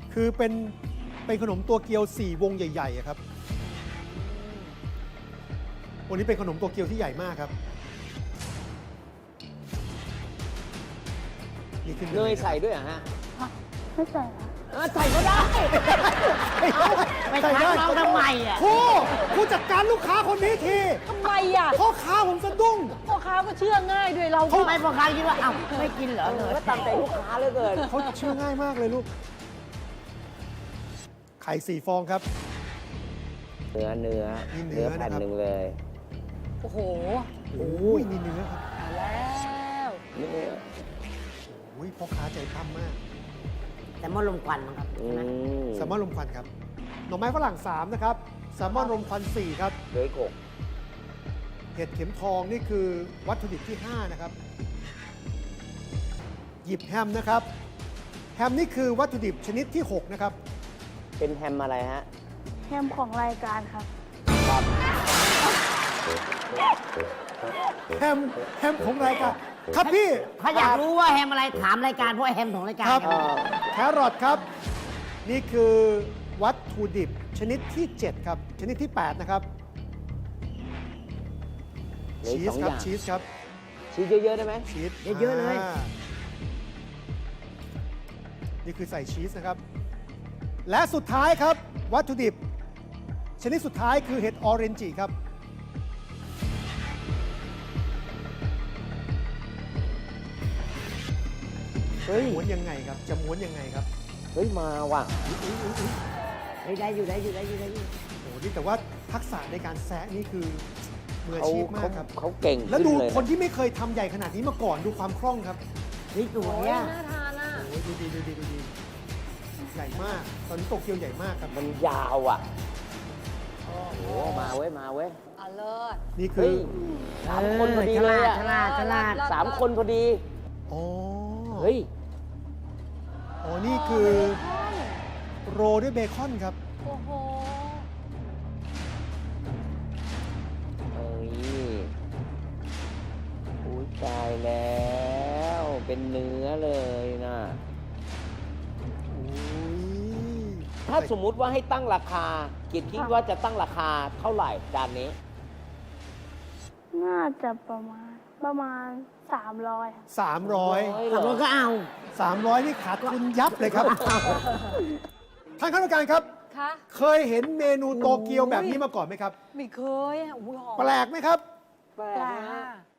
คือเป็นขนมตัวเกียว4 วงใหญ่ๆอะครับวันนี้เป็นขนมตัวเกียวที่ใหญ่มากครับนี่ขึ้นเนยใส่ด้วยเหรอฮะไม่ใส่ค่ะใส่ก็ได้ไม่ทักน้องทำไมอ่ะผู้จัดการลูกค้าคนนี้ทีทำไมอ่ะพ่อค้าผมสะดุ้งพ่อค้าก็เชื่อง่ายด้วยเราทำไมพ่อค้าคิดว่าอ้าวไม่กินเหรอเนยก็ตามใจลูกค้าเหลือเกินเขาเชื่อง่ายมากเลยลูก ไข่4 ฟองครับเนื้อนี่เนื้อแผ่นนะครับหนึ่งเลยโอ้โหโอ้ยนี่เนื้อครับมาแล้วเนื้อโอ้ยพ่อค้าใจปั้มมากแต่มอลมควันมั้งครับอืใช่ไหมมแซลมอนลมควันครับหน่อไม้ฝรั่ง3นะครับแซลมอนลมควัน4ครับเคยโขกเห็ดเข็มทองนี่คือวัตถุดิบที่ 5 นะครับ หยิบแฮมนะครับ แฮมนี่คือวัตถุดิบชนิดที่ 6 นะครับเป็นแฮมอะไรฮะแฮมของรายการครับแฮมของรายการครับพี่ถ้าอยากรู้ว่าแฮมอะไรถามรายการเพราะแฮมของรายการครับครับแครอทครับ นี่คือวัตถุดิบชนิดที่ 7 ครับ ชนิดที่ 8 นะครับเหลือชีอีกส 2 คอรับย่างชีสครับชีสเยอะๆได้ไหมชีสเยอะๆเลยนี่คือใส่ชีสนะครับ และสุดท้ายครับ วัตถุดิบ ชนิดสุดท้ายคือเห็ดออเรนจิครับเฮ้ยม้วนยังไงครับ จะม้วนยังไงครับเฮ้ย มาว่ะเฮ้ยได้อยู่ได้อยู่ได้อยู่ได้อยู่โอ้โหนี่แต่ว่าทักษะในการแซะนี่คือมืออาชีพมากครับเขาเก่งแล้วขึ้นดูเลยคนที่ไม่เคยทำใหญ่ขนาดนี้มาก่อนดูความคล่องครับเฮ้ยสวโอ้ยยอ่ะน่าทานอ่ะโอ้ยดูดีดูดีดูดีใหญ่มาก ตอนนี้โตเกียวใหญ่มากครับมันยาวอ่ะ โอ้โห มาเว้ย มาเว้ยอเลิศนี่คืเฮ้อย 3 คนพอดีเลยอ่ะฉลาดฉลาด 3 คนพอดีอ๋อเฮ้ยอ๋อนี่คือโรลด้วยเบคอนครับโอ้โหเฮ้ยอุ้ยตายแล้ว เป็นเนื้อเลยนะ ถ้าสมมุติว่าให้ตั้งราคาเกียรติคิดว่าจะตั้งราคาเท่าไหร่จานนี้น่าจะประมาณ300ครับ 300 ขับรถก็เอา 300 นี่ขาดทุนยับเลยครับ ท่านคณะกรรมการครับคะเคยเห็นเมนูโตเกียวแบบนี้มาก่อนไหมครับไม่เคยอ่ะอุ้ยหอมแปลกไหมครับแปลกนะฮะ